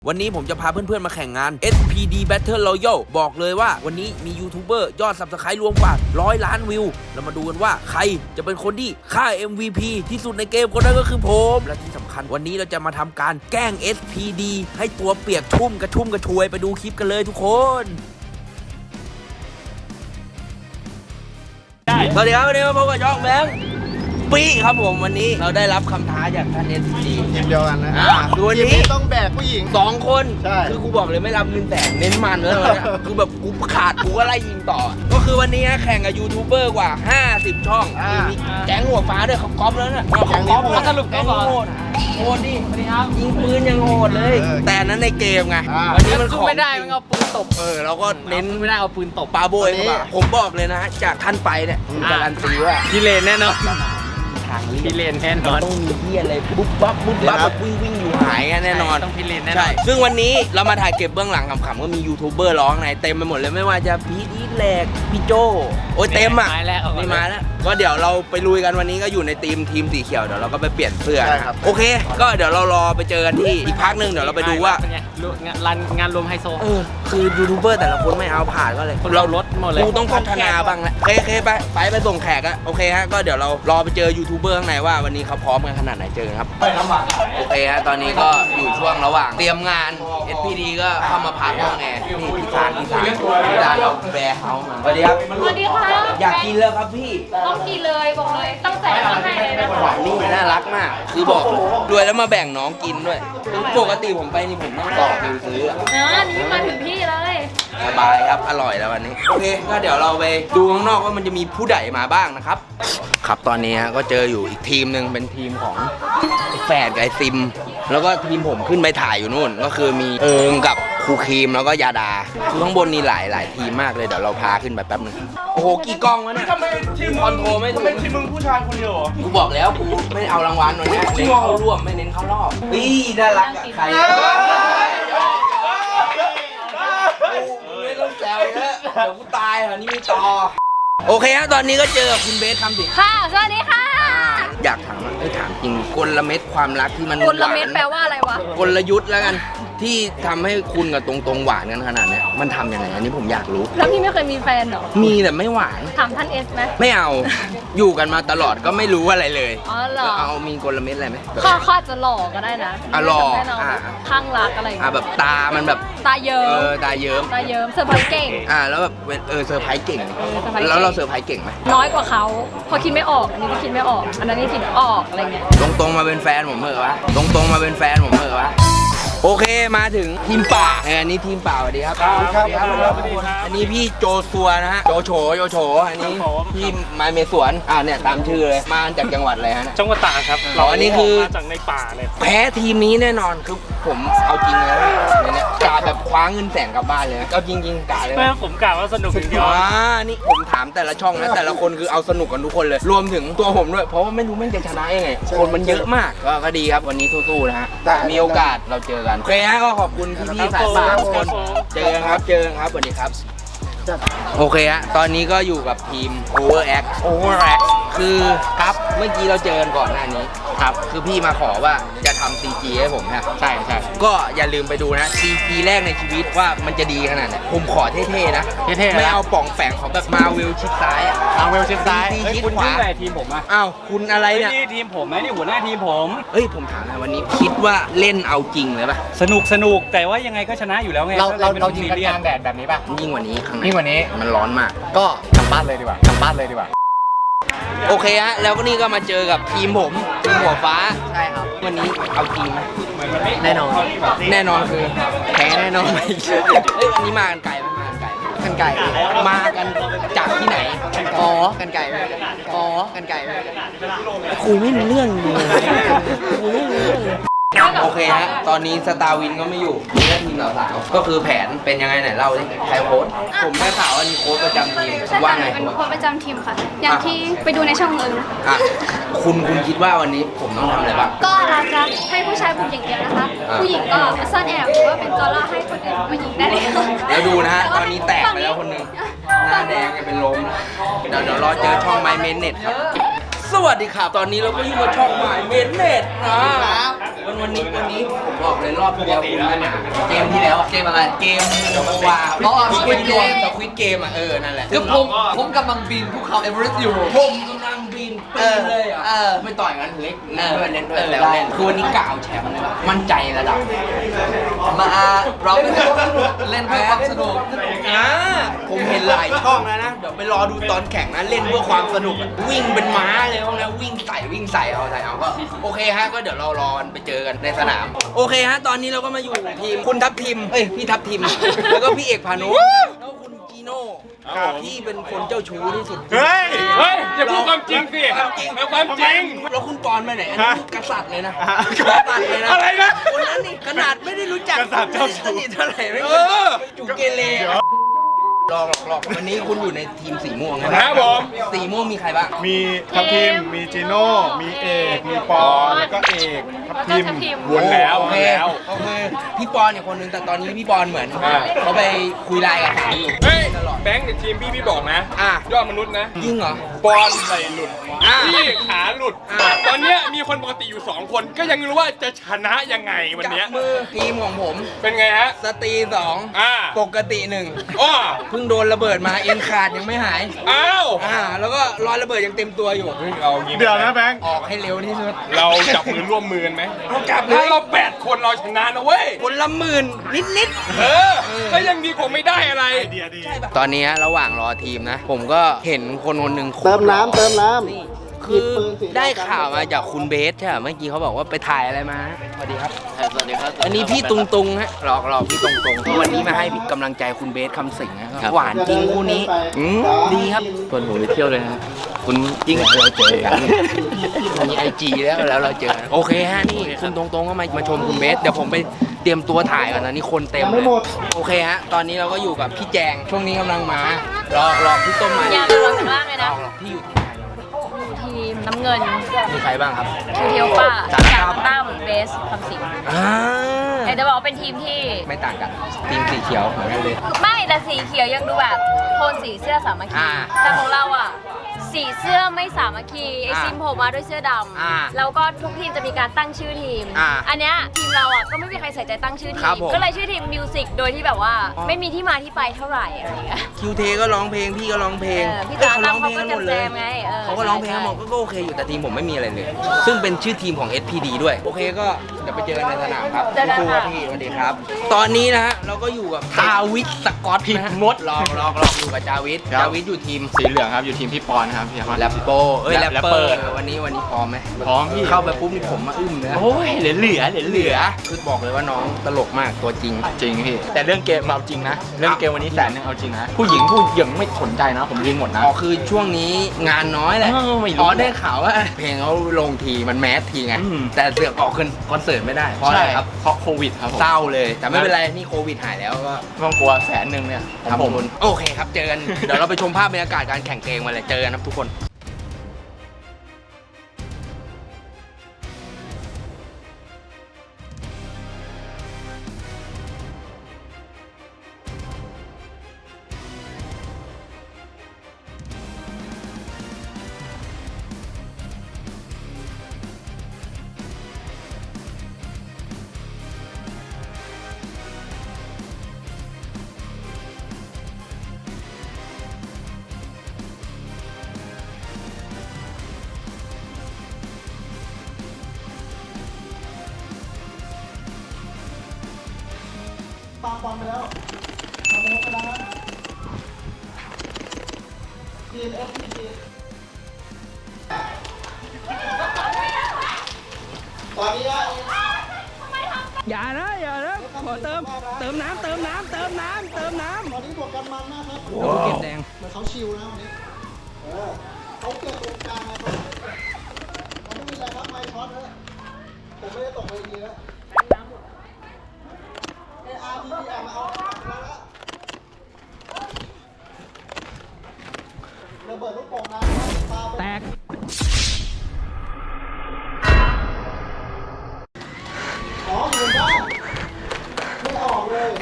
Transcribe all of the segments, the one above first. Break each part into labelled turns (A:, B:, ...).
A: วันนี้ผมจะพาเพื่อนๆมาแข่งงาน SPD Battle Royale บอกเลยว่าวันนี้มียูทูบเบอร์ยอด Subscribe รวมกว่า100 ล้านวิวเรามาดูกันว่าใครจะเป็นคนที่ฆ่า MVP ที่สุดในเกมคนนั้นก็คือผมและที่สำคัญวันนี้เราจะมาทำการแกล้ง SPD ให้ตัวเปียกชุ่มกระชวยไปดูคลิปกันเลยทุกคนสวัสดีครับวันนี้มาพบกับช่องแบงค์ปี้ครับผมวันนี้เราได้รับคำท้าจากท่าน SPD
B: ทีมเดียวกันนะ
A: คือวันนี้
B: ต้องแบกผู้หญิง
A: 2 คน
B: ใช่
A: คือกูบอกเลยไม่รับเงินแสนเน้นมันแล้วเนี่ยคือแบบกูขาดกูก็ไล่ยิงต่อก็คือวันนี้แข่งกับยูทูบเบอร์กว่า50 ช่องมีแก๊งหัวฟ้าด้วยเขาก๊อปแล้วเนี่ยแก๊งนี้สรุปแก๊งโหดดิยิงปืนยังโหดเลยแต่นั้นในเกมไงวันนี้มันของ
C: ไม่ได้มันเอาปืนตบ
A: เราก็เน้น
C: ไม่ได้เอาปืนตบ
A: ปาโบยผมบอกเลยนะจากท่านไปเนี่ยการันตีว่า
C: พี่เลนแน่นอนพี่เลนแน่นอน
A: ต้องมีที่อะไรบุ๊บบับแบบวิ่งอยู่หายแน่นอน
C: ต้องพี่เลนแน่นอน
A: ใช่ซึ่งวันนี้เรามาถ่ายเก็บเบื้องหลังขำๆก็มียูทูบเบอร์ร้องในเต็มไปหมดเลยไม่ว่าจะพีทอีทแหลกพี่โจโอ้ยเต็มอ่ะนี่มาแล้วก็เดี๋ยวเราไปลุยกันวันนี้ก็อยู่ในทีมสีเขียวเดี๋ยวเราก็ไปเปลี่ยนเสื้อนะครับโอเคก็เดี๋ยวเรารอไปเจอกันที่อีกพักนึงเดี๋ยวเราไปดูว่
C: างานรวมไฮโซ
A: คือยูทูบเบอร์แต่ละคนไม่เอาผ่านก็เลย
C: เราลดหมดเลย
A: กูต้องพัฒนาบ้างแหละโอเคไปส่งแขกอะโอเคฮะก็เดี๋ยวเรารอไปเจอยูทูบเบอร์ข้างในว่าวันนี้เขาพร้อมกันขนาดไหนเจอกันครับโอเคฮะตอนนี้ก็อยู่ช่วงระหว่างเตรียมงาน SPD ก็เข้ามาพักห้องแอร์นี่พี่ซานเราแบร์เฮาส์มาสวัสดีครับ
D: สวัสดีค่ะ
A: อยากกินแล้วครับพี่
D: ต้องกินเลยบอกเลยตั้งใจทำให้เลยนะคะ
A: นี่น่ารักมากคือบอกด้วยแล้วมาแบ่งน้องกินด้วยปกติผมไปนี่ผมต้องต่อคิวซื้อ
D: นี่มาถึงที่เลย
A: สบายครับอร่อยแล้ววันนี้โอเคก็เดี๋ยวเราไปดูข้างนอกว่ามันจะมีผู้ใดมาบ้างนะครับครับตอนนี้ก็เจออยู่อีกทีมหนึ่งเป็นทีมของแฝดกับไอซิมแล้วก็ทีมผมขึ้นไปถ่ายอยู่นู่นก็คือมีเอิงกับครูครีมแล้วก็ยาดาคือข้างบนนี่หลายทีมมากเลยเดี๋ยวเราพาขึ้นไปแป๊บนึงโอ้โหกี่กล้องวะเนี่ย
B: ทำไมทีม
A: คอนโทรไม่ถูก
B: ทีมมึงผู้ชายคนเดียวเหรอ
A: กูบอกแล้วกูไม่เอารางวัลวันนี้เน้นเข้าร่วมไม่เน้นเข้ารอบน่ารักอะใครไม่ต้องแซวเยอะเดี๋ยวกูตายเหรอนี่ไม่ต่อโอเคครับตอนนี้ก็เจอคุณเบสคำสิ
D: ค่ะสวัสดีค่ะ
A: อยากถามถามจริงกลเม็ดความรักที่มัน
D: กลเม็ดแปลว่าอะไรวะ
A: กลยุทธ์แล้วกันที่ทำให้คุณกับตรงหวานกันขนาดนี้มันทำยังไงอันนี้ผมอยากรู้
D: แล้วพี่ไม่เคยมีแฟนเหรอ
A: มีแต่ไม่หวาน
D: ถามท่านเอสไหม
A: ไม่เอาอยู่กันมาตลอดก็ไม่รู้อะไรเลย
D: อ๋อเหรอ
A: เอามีกลเม็ดอะไรไหม
D: ข้อจะหล่อก็ได้นะ
A: หล่อ
D: ข้างรักอะไร
A: แบบตามันแบบ
D: ตาเยิ้ม
A: ตาเยิ้ม
D: เซอร์ไพรส์เก่ง
A: แล้วแบบเซอร์ไพรส์เก่งแล้วเราเซอร์ไพรส์เก่งไหม
D: น้อยกว่าเขาพอคิดไม่ออกอันนี้ก็คิดไม่ออกอันนั้นนี่คิดออกอะไรเงี้ย
A: ตรงมาเป็นแฟนผมเหรอวะตรงมาเป็นแฟนผมเหรอวะโอเคมาถึงทีมป่าอันนี้ทีมป่าสวัสดีครับอันนี้พี่โจซัวนะฮะโจโฉอันนี้พี่ไม้เมสวนเนี่ยตามชื่อเลยมาจากจังหวัดอะไรฮะ
C: จังหวัดตากครับ
A: อันนี้คือ
C: มาจากในป่าเลย
A: แพ้ทีมนี้แน่นอนคือผมเอาจริงเลยเนี่ยกาแบบคว้าเงินแสนกลับบ้านเลยเอาจริงกาเลย
C: ผมกาว่าสนุกจริง
A: ๆนี่ผมถามแต่ละช่องนะแต่ละคนคือเอาสนุกกันทุกคนเลยรวมถึงตัวผมด้วยเพราะว่าไม่รู้แม่งจะชนะยังไงคนมันเยอะมากก็ดีครับวันนี้สู้ๆนะฮะมีโอกาสเราเจอกันโอเคฮะก็ขอบคุณพี่ๆสายป่าทุกคนเจอกันครับสวัสดีครับโอเคฮะตอนนี้ก็อยู่กับทีม Overact คือครับเมื่อกี้เราเจอกันก่อนหน้านี้ครับคือพี่มาขอว่าจะทำ CG ให้ผมครับใช่ก็อย่าลืมไปดูนะ CG แรกในชีวิตว่ามันจะดีขนาดไหนผมขอเท่ๆนะไม่เอาป่องแฝงของแบบมาเวลชิดซ้าย
C: คุณยุ่งอะไรทีมผม
A: อ้าวคุณอะไรเนี่ย
C: ทีมผมไหมนี่หัวหน้าทีมผม
A: ผมถามนะวันนี้คิดว่าเล่นเอาจริงเลยป่ะ
C: สนุกแต่ว่ายังไงก็ชนะอยู่แล้วไง
B: เรายิงกันกลางแดดแบบนี้ป่ะ
A: ยิ่งกว่านี้ข้างใน
B: มัน
A: ร้อนมาก
B: ก็กลับบ้านเลยดีกว่า
A: โอเคฮะแล้วก็นี่ก็มาเจอกับทีมผมทีมหัวฟ้า
B: ใช่ครับ
A: วันนี้เอาจริงไหม
B: แน่นอน
A: คือแพ้แน่นอนอันนี้มากันไกลไหมมากันจากที่ไหน
B: กันไก่
A: ครูไม่รู้เรื่องเลยโอเคฮะตอนนี้สตาร์วินก็ไม่อยู่นี่ก็ทีมสาวก็คือแผนเป็นยังไงไหนเล่าดิใครโค้ชผมได้ข่าวว่านี่โค้ชประจำทีมว่าไง
D: เป็นโค้ชประจำทีมค่ะอย่างที่ไปดูในช่องเลย
A: คุณคิดว่าวันนี้ผมต้องทำอะไรบ้าง
D: ก็เราจะให้ผู้ชายบุกอย่างเดียวนะคะผู้หญิงก็ซ่อนแอบหรือว่าเป็นตัวล่อให้คนอื่นมายิงได้เลย
A: แล้วดูนะฮะตอนนี้แตกไปแล้วคนนึงหน้าแดงเป็นลมเดี๋ยวรอเจอช่องไมเมนเน็ตครับสวัสดีครับ ตอนนี้เราก็อยู่กับช่องใหม่เมดเน็ตนะวันนี้ผมบอกเลยรอบที่แล้วคุณไม่มาเกมที่แล้วเกมอะไรเกมว่าสควิดเกมนั่นแหละ
B: คือผมกำลังบินภูเขาเอเวอเรสต์อยู่
A: ผมกำลังบินปีนเลยไม่ต่อยกันเล็กเล่นด้วยแล้วเล่นคือวันนี้กล่าวแชมป์เลยมั่นใจระดับ
B: มาเราเล่นเพื่อความสนุก
A: ผมเห็นหลายช่องแล้วนะเดี๋ยวไปรอดูตอนแข่งนะเล่นเพื่อความสนุกวิ่งเป็นม้าเลยพวกนั้นวิ่งใส่เอาก็โอเคฮะก็เดี๋ยวเรารอกันไปเจอกันในสนามโอเคฮะตอนนี้เราก็มาอยู่ทีมคุณทัพทิมพี่ทัพทิมแล้วก็พี่เอกพานุแล้วคุณจีโน่ที่เป็นคนเจ้าชู้ที่สุด
C: เฮ้ยอย่าพูดความจริงสิเอาความจริง
A: แล้วคุณปอนไปไหนอันนี้กษัตริย์เลยนะกษัตริย์เลยนะ
C: อะไรนะ
A: คนนั้นนี่ขนาดไม่ได้รู้จัก
C: กษัตริย์เจ้าชู้
A: สนิทเท่าไหร่ไม่จุกเกเรหลอกวันนี้คุณอยู่ในทีมสีม่วงนะครับ
C: ผม
A: สีม่วงมีใครบ้าง
E: มีทัพทิม มีจีโน่ มีเอก มีปอนแล้วก็เอกทัพทิม
C: วนแล้ว
A: โอเคพี่ปอนเนี่ยคนนึงแต่ตอนนี้พี่ปอนเหมือนเขาไปคุยไลน์กับสาวอยู่
C: เฮ้ย
A: ตลอด
C: แบงค์ในทีมพี่บอกนะ
A: อ่ะ
C: ยอดมนุษย์นะ
A: ยิ่งเหรอ
C: ปอนไหลหลุด
A: อ่ะ
C: พี่ขาหลุด
A: อ่ะ
C: ตอนเนี้ยมีคนปกติอยู่ 2 คนก็ยังไม่รู้ว่าจะชนะยังไงวัน
A: จับ
C: เนี้ย
A: มือทีมของผม
C: เป็นไงฮะ
A: สตรีสอง
C: อ่า
A: ปกติหนึ่ง
C: อ้อ
A: เพิ่งโดนระเบิดมาเอ็นขาดยังไม่หาย
C: อ้าว
A: แล้วก็รอยระเบิดยังเต็มตัวอยู่
C: เอายิง
E: เดี๋ยวนะแบงค์
A: ออกให้เร็วที่สุด
C: เราจับมือร่วมมือกันไหม
A: เราจับเล
C: ถ้าย เรา8 คนเราชนะนะเว้ย
A: คนละหมื่นนิด
C: ก็ยังดีกว่าไม่ได้อะไร
E: เดียวดี
A: ๆตอนนี้ระหว่างรอทีมนะ ผมก็เห็นคนหนึ่ง
F: เติมน้ำ
A: คือได้ข่าวมาจากคุณเบสใช่ไหมเมื่อกี้เขาบอกว่าไปถ่ายอะไรมาสวัสดีครับ
B: สวัสดีครับ
A: อันนี้พี่ตุงฮะหลอกพี่ตุงวันนี้มาให้กำลังใจคุณเบสคำสิงห์นะครับหวานจริงคู่นี้ดีครับ
B: คนผมไปเที่ยวเลยนะคุณ
A: จริงเราเจอกันมีไอจีแล้วเราเจอกันโอเคฮะนี่คุณตรงๆก็มาชมคุณเบสเดี๋ยวผมไปเตรียมตัวถ่ายก่อนนะนี่คนเต็มเลยโอเคฮะตอนนี้เราก็อยู่กับพี่แจงช่วงนี้กำลังมาหลอกพี่ต้มมา
G: อยากลองกันบ้างเลยนะ
A: หลอกพี่อยู่ทีมไหน
G: ทีมน้ำเงิน
A: มีใครบ้างครับ
G: คือเทียวป้า
A: สารคาม
G: ตั้มเบสคำสิงห์
A: อ่า
G: แต่จะบอกว่าเป็นทีมที่
A: ไม่ต่างกันทีมสีเขียวเหมือนกันเลย
G: ไม่แต่สีเขียวยังดูแบบโทนสีเสื้อสามัคคี
A: อ่า
G: แต่ของเราอ่ะสีเสื้อไม่สามัคคีไอ
A: อ่า
G: ซิมโผล่มาด้วยเสื้อด
A: อ่า
G: ำแล้วก็ทุกทีมจะมีการตั้งชื่อทีม
A: อ่า
G: อันเนี้ยทีมเราอ่ะก็ไม่มีใครใส่ใจตั้งชื่อที
A: ครับ
G: ม
A: ผม
G: ก็เลยชื่อทีมมิวสิกโดยที่แบบว่า
A: อ๋อ
G: ไม่มีที่มาที่ไปเท่าไหร่อะไรอย่างเงี้ย
A: คิวเทก็ร้องเพลงพี่ก็ร้องเพลง
G: พี่
A: อ้ย
G: ตา
A: เขาร้องเพลงกันหมดเลย
G: เขาก็แจมๆไงเออ
A: เขาก็ร้องเพลงกันหมดก็โอเคอยู่แต่ทีมผมไม่มีอะไรเลย ซึ่งเป็นชื่อทีมของ SPD ด้วยโอเคก็เดี๋ยวไปเจอกันในสนามครับ
G: เจอกัน
A: ครูค
G: ค่ะ
A: รับพี่สวัสดีครับ ตอนนี้นะฮะเราก็อยู่กับจาวิทสกอตผิดมดลองอยู่กับจาวิทอยู่ทีม
B: สีเหลืองครับอยู่ทีมพี่ปอนครับพี่ครับ
A: แรปโปแรปเปอร์วันนี้พร้อมไหม
B: พร้อมพี่
A: เข้าไปปุ๊บนี่ผมมาอึ้มเลยนะ
B: โอ้ยเหลือ
A: คือบอกเลยว่าน้องตลกมากตัวจริง
B: จริงพี่แต่เรื่องเกมเอาจริงนะเรื่องเกมวันนี้100,000เอาจริงนะผู้หญิงไม่สนใจนะผมยิงหมดนะ
A: อ๋อคือช่วงนี้งานน้อยแหละ
B: ไม่รู้
A: อ๋อได้ข่าวว่าเพลงเขาลงทีมันแมสทีไง
B: อืม
A: แต่เสือกออกคอนเสิร์ตไม่ได้เพราะอะไรครับ
B: เพราะโควิดครับผม
A: เศร้าเลยแต่ไม่เป็นไรนี่โควิดหายแล้วก็
B: ไม่ต้องกลัว100,000เนี่ย
A: ทำบุญโอเคครับเจอกัน เดี๋ยวเราไปชมภาพบรรยากาศการแข่งเกมมาเลยเจอกันครับทุกคนอย่านะขอเติมน้ำตอนนี้บวกกันมันมากครับเราเก็บแดงเหมือนเขาชิวนะวันนี้เขาเก็บตรงกลางนะครับเขาไม่มีอะไรครับไม้ช็อตเลยผมไม่ได้ตกเวทีแล้วARTP มาเอาแล้วระเบิดลูกโป่งน้ำปาแตกอ๋อเหมือนบ้านไม่ออกเลย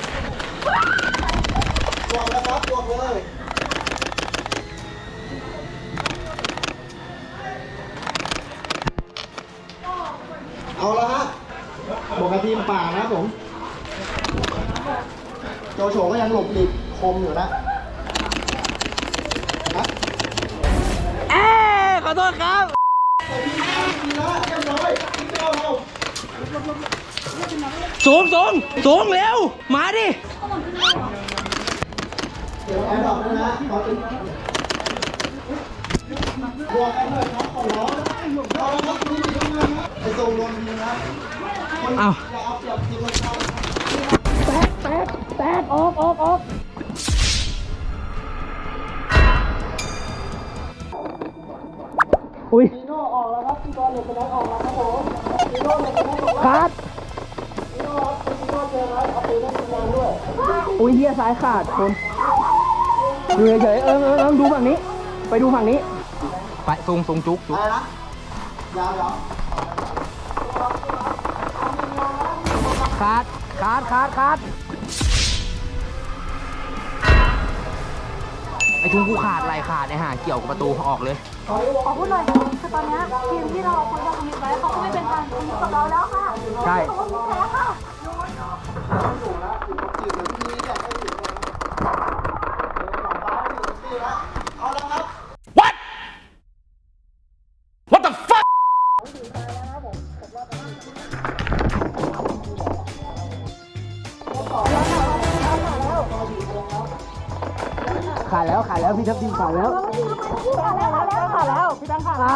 A: บวกแล้วครับบวกเลย
F: โจโฉก็ยังหลบหลีกคมอยู่นะ
A: ขอโทษครับสูงเร็วมาดิ
F: เดี๋ยวแอร์ดรอปด้วยนะขอเป็นบวกกันเลยครับขอร้องเอาละครับนี่ทำงานนะไอ้โซนรวมทีนะคนอย่าเอาเปรียบทีมเราแตกออกอุ้ยนีโน่ออกแล้วครับพี่บอลเหล็กกระไดออกแล้วครับผมนีโน่เหล็กกระไดออกแล้วนีโน่เจอแล้วเอาไปเล่นทีมงานด้วย
A: อุ้ยเฮียซ้ายขาดคนดูเฉยดูฝั่งนี้ ไปดูฝั่งนี้ไปทรงจุก
F: อะไรนะยาว
A: ขาดไอ้ทุ่งกูขาดไหลขาดไอ้ห่าเกี่ยวกับประตูออกเลย
D: ขอพูดหน่อยคือตอนนี้ทีมที่เราคุยกับทีมไว้เขาก็ไม่เป็นการคุยกับเราแล้วค่ะ
A: ใช่
D: เขาไม่แพ้ค่ะ
C: What the fuck
A: ขาดแล้วพี่ทัพทีมขาดแล้วพี่ตั้งขาด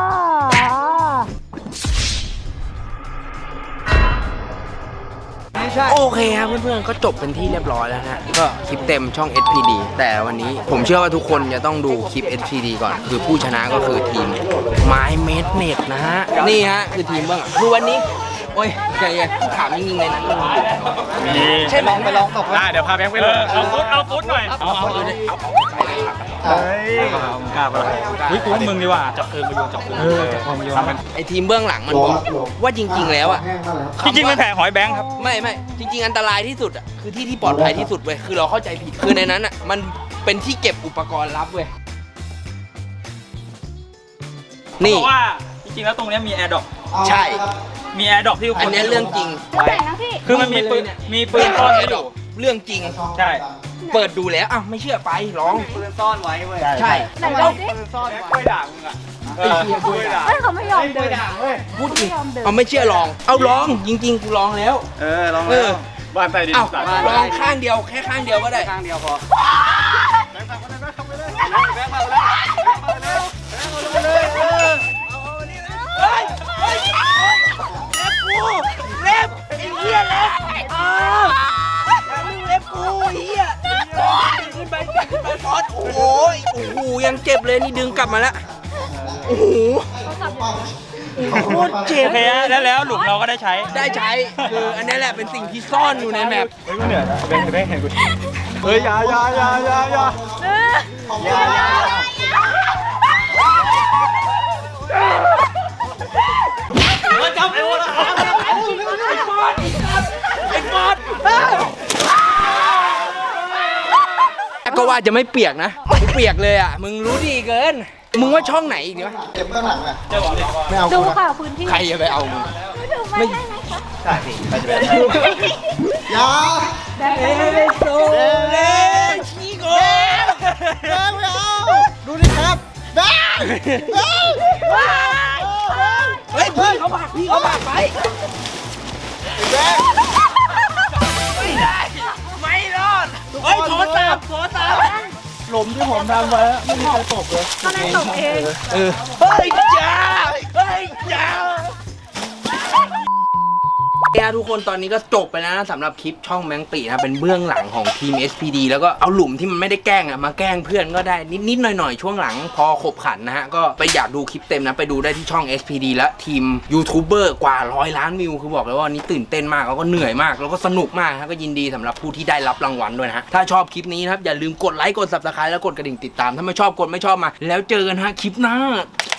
A: โอเคครับเพื่อนๆก็จบเป็นที่เรียบร้อยแล้วนะก็คลิปเต็มช่อง SPD แต่วันนี้ผมเชื่อว่าทุกคนจะต้องดูคลิป SPD ก่อนคือผู้ชนะก็คือทีมไม้เมดเมดนะฮะนี่ฮะคือทีมเบื้องหลังคือวันนี้โอ้ยใจเย็นถามจริงๆเลยนะใช่ไหมไปลองตก
E: ได้เดี๋ยวพาแบงค์ไปเลยเอาฟุตหน่อยเอาเฮ้ยกล้าปะล่ะวิกูมึงดีกว่าจับปืนมาโยนจับปืนจับปืนมาโยน
A: ไอทีมเบื้องหลังมันบอกว่าจริงๆแล้วอ่ะ
E: จริงๆมันแผลหอยแบงค์ครับ
A: ไม่จริงๆอันตรายที่สุดอ่ะคือที่ปลอดภัยที่สุดเว้ยคือเราเข้าใจผิดคือในนั้นอ่ะมันเป็นที่เก็บอุปกรณ์ลับเว้ยนี่
B: เพราะว่าจริงๆแล้วตรงนี้มีแอร์ดรอป
A: ใช่
B: มีแอร์ดรอปที่ทุกคน
A: อันนี้เรื่องจริง
D: แต่งนะพี่
B: คือมันมีปืนซ่อนไว้อยู่
A: เรื่องจริง
B: ใช่
A: เปิดดูแล้วอ้าวไม่เชื่อไปลอง
B: ปืนซ่อนไว้เว้ย
A: ใช่
D: ไหนเราดิ
B: ซ่อนไว้กล้วยด่างมึงอ่ะกล้วยด่าง
D: เฮ้ยเขาไม่ยอมเดิน
A: พูดจริงเอาไม่เชื่อลองเอาลองจริงๆกูลองแล้ว
E: ลองแล้วบ้านใต้ดิน
A: เอาลองข้างเดียวแค่ข้างเดียวก็ได้
B: ข้างเดียวพอ
A: เล็บไอ้เหี้ยเล็บเล็บกูเหี้ยขึ้นไปฟอสโอ้โหยังเจ็บเลยนี่ดึงกลับมาแล้วโอ้โหโคตรเจ็บ
B: โอเคแล้วหลุมเราก็ได้ใช้
A: คืออันนี้แหละเป็นสิ่งที่ซ่อนอยู่ในแมป
E: เฮ้ยกูเหนื่อยแบงค์เห็นกูเฮ้ยอย่า
A: จับไอ้วะไอ้ฟอสก็ว่าจะไม่เปียกนะไม่เปียกเลยอ่ะมึงรู้ดีเกินมึงว่าช่องไหนอีกวะ
F: เก็บข้างหลังอ่ะไม่เอา
D: ดูค่ะพื้นที่
A: ใครจะไปเอามึง
D: ดูไม่ได้ไหมคะ
F: ยา
A: โซเลชิโก
F: แบงค์ไม่เอาดูดิครับแบงค์
A: เฮ้ยพี่เขาผลักไป
F: แบงค์
A: ไม่รอดเฮ้ยโทรศัพท์
F: หลุมที่ผมทำไว้ไม่มีใครตกเลย
D: ก็เลยตกเอง
A: เฮ้ยจ้าทุกคนตอนนี้ก็จบไปแล้วนะสำหรับคลิปช่องแมงปีนะเป็นเบื้องหลังของทีม SPD แล้วก็เอาหลุมที่มันไม่ได้แกล้งอ่ะมาแกล้งเพื่อนก็ได้นิดๆหน่อยๆช่วงหลังพอขบขันนะฮะก็ไปอยากดูคลิปเต็มนะไปดูได้ที่ช่อง SPD และทีมยูทูบเบอร์กว่า100 ล้านวิวคือบอกเลยว่านี้ตื่นเต้นมากแล้วก็เหนื่อยมากแล้วก็สนุกมากนะก็ยินดีสำหรับผู้ที่ได้รับรางวัลด้วยนะฮะถ้าชอบคลิปนี้นะครับอย่าลืมกดไลค์กด Subscribe แล้วกดกระดิ่งติดตามถ้าไม่ชอบกดไม่ชอบมาแล้วเจอกันฮะคลิปหน้า